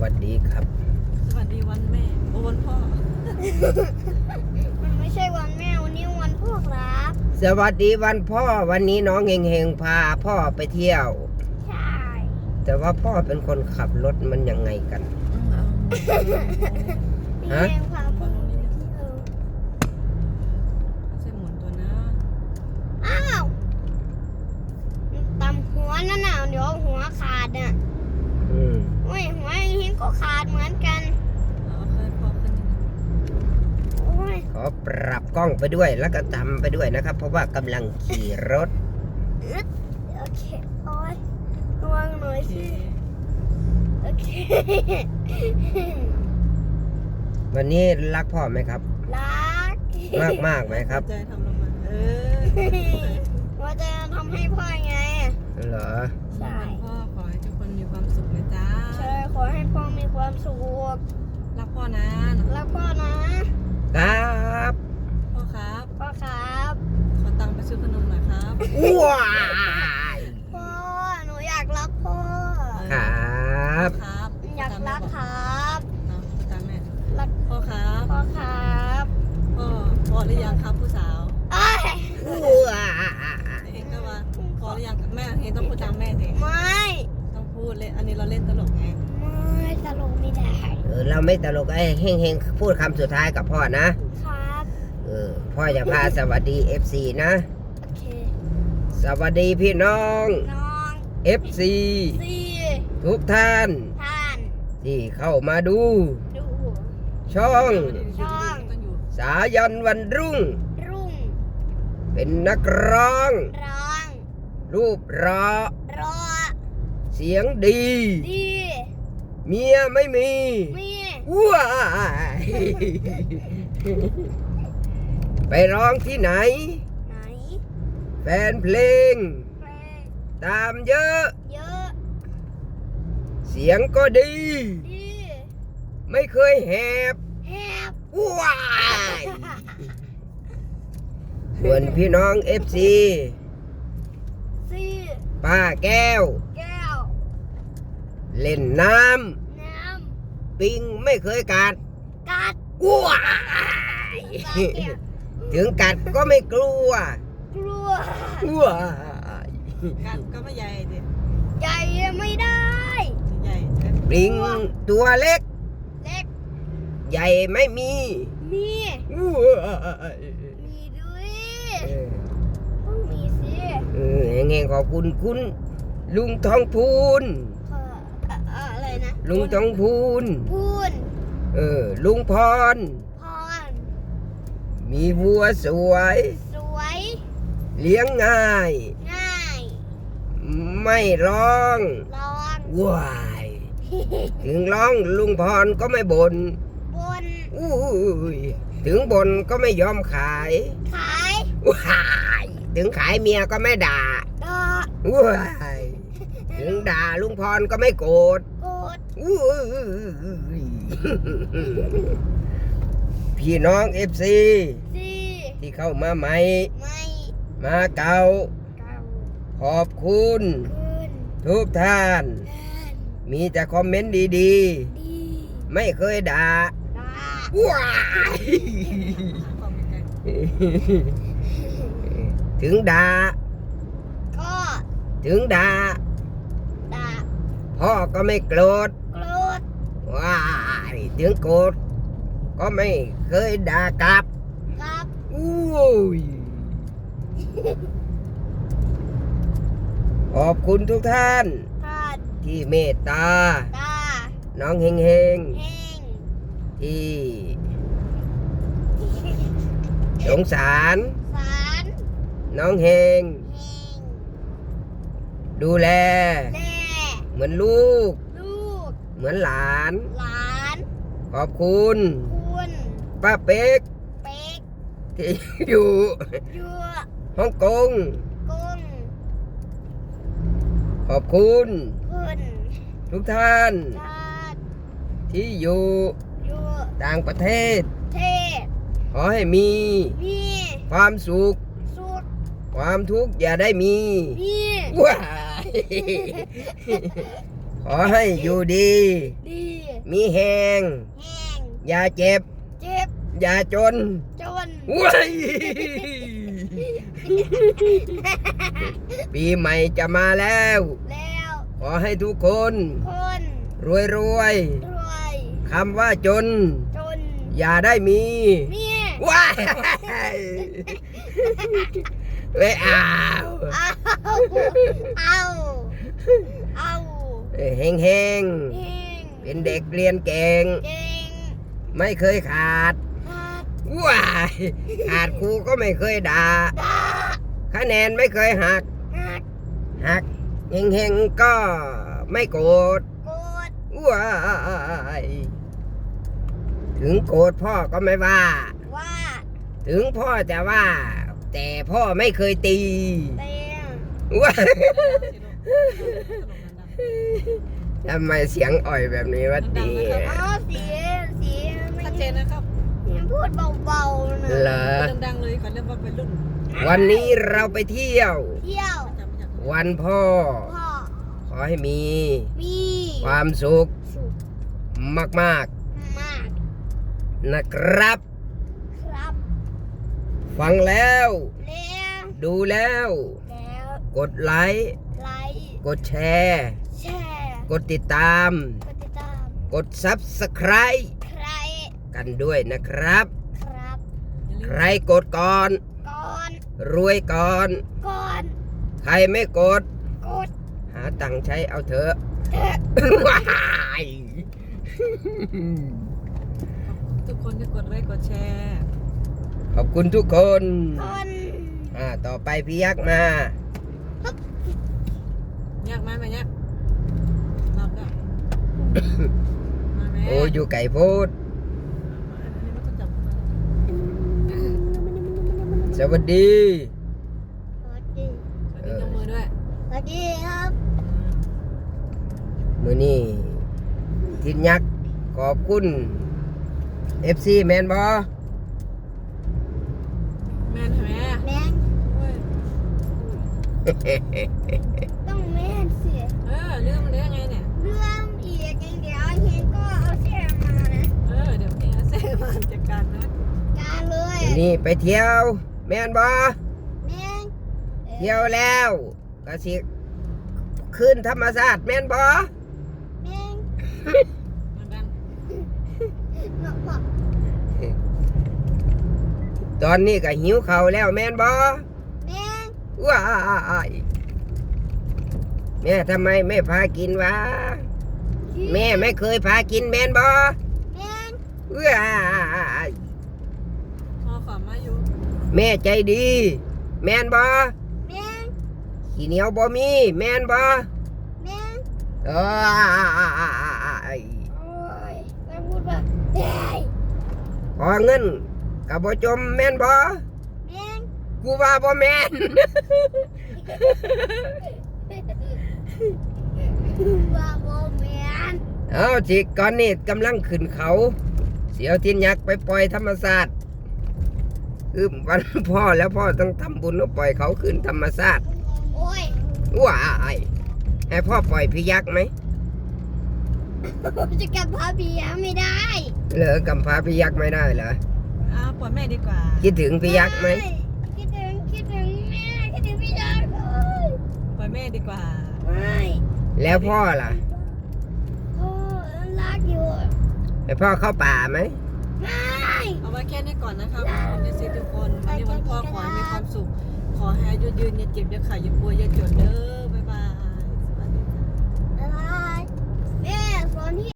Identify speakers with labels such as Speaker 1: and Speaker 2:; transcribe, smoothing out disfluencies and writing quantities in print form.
Speaker 1: วัสดีครับ
Speaker 2: สวัสดีวันแม่วันพ่อ
Speaker 3: มันไม่ใช่วันแม่วันนี้วันพ่อครับ
Speaker 1: สวัสดีวันพ่อวันนี้น้องเฮงๆพาพ่อไปเที่ยว
Speaker 3: ใช่
Speaker 1: แต่ว่าพ่อเป็นคนขับรถมันยังไงกัน
Speaker 3: ฮะพาพ่อไปเที่ยว
Speaker 2: ใช่หมุนตัวนะ
Speaker 3: อ้าวตำหัวนั่นน่ะเดี๋ยวหัวขาดน่ะโอ้ยหัวเฮงก็ขาดเหมือนกัน
Speaker 1: ขอปรับกล้องไปด้วยแล้วก็ตำไปด้วยนะครับเพราะว่ากำลังขี่รถ
Speaker 3: โอเคโอ้ยระวังหน่อยสิโอเค
Speaker 1: วันนี้รักพ่อไหมครับ
Speaker 3: รัก
Speaker 1: มากไหมครับ
Speaker 2: ใจทำลงมา
Speaker 3: ว่าจะทำให้พ่อไง
Speaker 1: เหรอ
Speaker 3: ใช่
Speaker 2: พ่อขอให้ทุกคนมีความสุขนะจ๊ะ
Speaker 3: ใช่ขอให้พ่อมีความสุข
Speaker 2: รักพ่อนะ
Speaker 3: รักพ่อนะครับ
Speaker 2: พ่อครับ
Speaker 3: พ่อครับ
Speaker 2: ขอตังค์ไปซื้อขนมหน่อยครับ
Speaker 1: ว้าย
Speaker 3: พ่อหนูอยากรักพ่อ
Speaker 1: ครับ
Speaker 3: อยากรักครับ
Speaker 2: ตามแม่
Speaker 3: รัก
Speaker 2: พ่อครับ
Speaker 3: พ่อครับ
Speaker 2: พ่อหรือยังครับผู้สาวเห็นก็ว่าพอหรือยังแม่เห็นต้องพูดตามแม่สิ
Speaker 3: ไม่
Speaker 2: ต้องพูดเลยอันนี้เราเล่นตลกไง
Speaker 3: ไม่ตลกไม่ได้
Speaker 1: เราไม่ตลกเฮงพูดคำสุดท้ายกับพ่อนะครับพ่อจะพาสวัสดี FC นะ
Speaker 3: โอเค
Speaker 1: สวัสดีพี่น้อง FC ทุกท่านที่เข้ามาดูช่องสายันวันรุ่งเป็นนักร้องรูปรอเสียงดีเมียไม่มีว้ายไปร้องที่ไหนแฟนเพลงตามเยอะเสียงก็ดีไม่เคยแหบว้ายส่วนพี่น้อง FC ป้าแก้วเล่นน้ำปิงไม่เคยกัดว้ายถึงกัดก็ไม่กลัวว้าย
Speaker 2: กัดก็ไม่ใหญ่ดิ
Speaker 3: ใหญ่ไม่ได้
Speaker 2: ใหญ่
Speaker 1: ปิงตัวเล็กใหญ่ไม่มี
Speaker 3: ด้วยต้องมีสิ
Speaker 1: เงี้ยขอบคุณคุณลุงทองพูน
Speaker 3: อะไรนะ
Speaker 1: ลุงทองพูนลุงพรมีวัวสวยเลี้ยงง่ายไม่ร้องว้ายถึงร้องลุงพรก็ไม่บ่นถึงบ่นก็ไม่ยอมขายว้ายถึงขายเมียก็ไม่ด่าว้ายถึงด่าลุงพรก็ไม่โกรธพี่น้อง FC ที่เข้ามาใหม่มาเก่าขอบคุณทุกท่านมีแต่คอมเมนต์ดีๆไม่เคยด่าว้ายถึงด่าพ่อก็ไม่โกรธว้ายถึงโกรธก็ไม่เคยด่ากลับขอบคุณทุกท่านที่เมตตาน้องเฮงที่สงสารน้องเฮงดูแลเหมือนลูกเหมือนหลานขอบคุณป้าเป๊กที่อยู่ฮ่องกงขอบคุณทุกท่านที่อยู่ต่างประเทศขอให้มีความสุขความทุกข์อย่าได้มีว้ายขอให้อยู่ดีมีแหง
Speaker 3: แห้ง
Speaker 1: อย่าเจ็บ
Speaker 3: เจ็บ
Speaker 1: อย่าจน
Speaker 3: จน
Speaker 1: ว้ายปีใหม่จะมาแล้ว
Speaker 3: แล้ว
Speaker 1: ขอให้ทุกคน
Speaker 3: คน
Speaker 1: รวยรวย
Speaker 3: รวย
Speaker 1: คำว่าจน
Speaker 3: จน
Speaker 1: อย่าได้มี
Speaker 3: เมีย
Speaker 1: ว้ายไม่เอา
Speaker 3: เอาเอา
Speaker 1: เฮงเฮง
Speaker 3: เฮง
Speaker 1: เป็นเด็กเรียนเก่ง
Speaker 3: เก่ง
Speaker 1: ไม่เคยขาด
Speaker 3: ขาด
Speaker 1: ว้ายขาดครูก็ไม่เคยด่า
Speaker 3: ดา
Speaker 1: คะแนนไม่เคยหัก
Speaker 3: หัก
Speaker 1: หักเฮงเฮงก็ไม่โกรธ
Speaker 3: โกด
Speaker 1: ว้ายถึงโกรธพ่อก็ไม่ว่า
Speaker 3: ว่า
Speaker 1: ถึงพ่อจะว่า แต่พ่อไม่เคยตี
Speaker 3: เตียง
Speaker 1: ว้าย
Speaker 2: ขนมดัง
Speaker 1: ทำไมเสียงอ่อยแบบนี้วะตี
Speaker 3: อ๋อเสียไม่
Speaker 2: ชัดเจนนะครับ
Speaker 3: พูดเบาๆนะ
Speaker 1: เหรอ
Speaker 2: พูดดังๆเลยเขาเรียกว่าเป็นรุ่น
Speaker 1: วันนี้เราไปเที่ยว
Speaker 3: เที่ยว
Speaker 2: จำไม่จำ
Speaker 1: วันพ่อ
Speaker 3: พ่อ
Speaker 1: ขอให้มี
Speaker 3: มี
Speaker 1: ความสุข
Speaker 3: สุข
Speaker 1: มาก
Speaker 3: มาก
Speaker 1: ๆนะครับ
Speaker 3: ครับ
Speaker 1: ฟังแล้ว
Speaker 3: แล้ว
Speaker 1: ดูแล้ว
Speaker 3: แล้ว
Speaker 1: กดไลค์
Speaker 3: ไลค์
Speaker 1: กดแชร์
Speaker 3: แชร์
Speaker 1: กดติดตาม
Speaker 3: กดติดตาม
Speaker 1: กด Subscribe
Speaker 3: ใคร
Speaker 1: กันด้วยนะครับ
Speaker 3: ครับ
Speaker 2: อย่าลื
Speaker 1: ใค
Speaker 2: ม
Speaker 1: รกดก่อน
Speaker 3: ก่อน
Speaker 1: รวยก่อน
Speaker 3: ก่อน
Speaker 1: ใครไม่กด
Speaker 3: กด
Speaker 1: หาตังค์ใช้เอาเถอะ
Speaker 3: เถอะ
Speaker 1: ว้าย
Speaker 2: ทุกคนจะกดไลค์กดแชร์
Speaker 1: ขอบคุณทุกคน
Speaker 3: คน
Speaker 1: ต่อไปพี่ยักษ์มา
Speaker 2: ยากไหมแม่ยากรอบแล้วมาแม่
Speaker 1: โอ้อยู่ไก่โพด
Speaker 2: อันนี้มันต้องจับเข้ามา
Speaker 1: สวัสดี
Speaker 3: สวัสดี
Speaker 2: สวัสดียกมือด้วย
Speaker 3: สวัสดีครับ
Speaker 1: มือนี่ทินยักษ์ขอบคุณ FC แมนบอ
Speaker 2: แม่นไหม
Speaker 3: แม่ง
Speaker 2: เว้ย
Speaker 3: ต้องแม่นสิ
Speaker 2: ลืมมันได้ยังไงเนี่ย
Speaker 3: เรื่องอีกอย่างเดียวเฮงก็เอาแช่มานะ
Speaker 2: เดี๋ยวเองเซ่มาจัดการนะ
Speaker 3: การเลย
Speaker 1: นี่ไปเที่ยว แมนบอ
Speaker 3: แม่ง
Speaker 1: เที่ยวแล้วก็สิขึ้นธรรมศาสตร์แมนบอ
Speaker 3: แม่ง
Speaker 2: มันดัง
Speaker 3: เนาะพ่อ
Speaker 1: ตอนนี้ก็หิวเขาวแล้วแมนบอ
Speaker 3: แม่ง
Speaker 1: ว้ายแม่ทำไมไม่พากินวะแม่ไม่เคยพากินแมนบอ
Speaker 3: แม่ง
Speaker 1: ว้าย
Speaker 2: พอขอมาอยู่
Speaker 1: แม่ใจดี แมนบอ
Speaker 3: แม่ง
Speaker 1: ขี้เหนียวบ่มีแมนบอ
Speaker 3: แม่ง
Speaker 1: เอ้ย
Speaker 3: โอ้ยแม่งพูดว่าเฮ้ย
Speaker 1: ขอเงินกับบ่จมแมนบอ
Speaker 3: แม่ง
Speaker 1: กูว่าบ่แมน
Speaker 3: ว่าโบแม่น
Speaker 1: เอาจิก่อนนี่กำลังขึ้นเขา เสียวทินยักษ์ไปปล่อยธรรมศาสตร์คือวันพ่อแล้วพ่อต้องทำบุญแล้วปล่อยเขาขึ้นธรรมศาสตร์
Speaker 3: โอ้ย
Speaker 1: ว้ายให้พ่อปล่อยพี่ยักษ์ไหม
Speaker 3: จะกลับพาเบียร์ไม่ได้
Speaker 1: เหลือกำพร้าพี่ยักษ์ไม่ได้เหรอ
Speaker 2: ปล่อยแม่ดีกว่า
Speaker 1: คิดถึงพี่ยักษ์ไหม
Speaker 3: คิดถึงแม่คิดถึงพี่ยักษ์เลย
Speaker 2: ปล่อยแม่ดีกว่า
Speaker 3: ไม่
Speaker 1: แล้วพ่อล่ะ
Speaker 3: พ่อรักอยู่
Speaker 1: ให้พ่อเข้าป่าไหม
Speaker 3: ไม่
Speaker 2: เอาไว้แค่นี้ก่อนนะครับผมในซีทุกคนวันนี้วันพ่อขอให้มีความสุข ขอให้อายุยืนอย่าเจ็บอย่าขาดอย่าป่วยอย่าจนเด้อ